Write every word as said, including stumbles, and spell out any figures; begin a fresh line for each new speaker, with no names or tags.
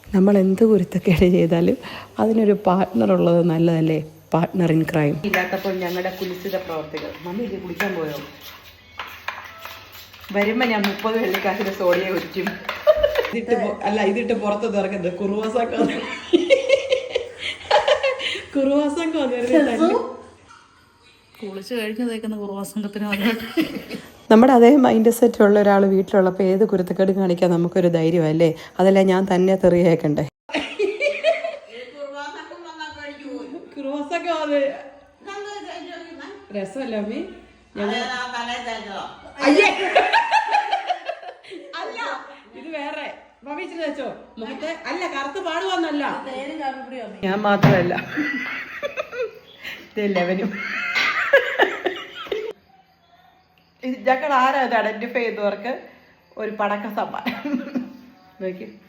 നമ്മൾ എന്ത് കുരുത്തക്കേട് ചെയ്താലും അതിനൊരു പാർട്ട്ണർ ഉള്ളത് നല്ലതല്ലേ? പാർട്ട്ണർ ഇൻ ക്രൈം ഇല്ലാത്തപ്പോൾ ഞങ്ങളുടെ കുലിസിത പ്രവർത്തികൾ. മമ്മി ഇത് കുടിക്കാൻ പോയോ? വരുമ്പോൾ ഞാൻ മുപ്പത് വെള്ളിക്കാശിന്റെ സോഡിയെ കുറ്റിക്കും. ഇതിട്ട് അല്ല ഇതിട്ട് പുറത്ത് ഇറങ്ങരുത്. കുറുവാസൊക്കെ കുറുവാസൊക്കെ
കുളിച്ച് കഴിഞ്ഞ് തേക്കുന്ന കുറുവാസംഘത്തിന്
നമ്മുടെ അതേ മൈൻഡ് സെറ്റ് ഉള്ള ഒരാൾ വീട്ടിലുള്ളപ്പോൾ ഏത് കുരുത്തക്കേട് കാണിക്കാൻ നമുക്കൊരു ധൈര്യമല്ലേ? അതല്ല ഞാൻ തന്നെ തെറിയേക്കണ്ടേ? രസമല്ല അമ്മി. അല്ല ഇത് വേറെ മമ്മീച്ചിട്ട് വെച്ചോ മുഖത്തെ. അല്ല കറുത്ത് പാടുവന്നല്ല, ഞാൻ മാത്രമല്ല ഇതെല്ലാവരും. ഞങ്ങൾ ആരാ ഇത് ഐഡന്റിഫൈ ചെയ്തവർക്ക് ഒരു പടക്ക സമ്മാനം നോക്കി.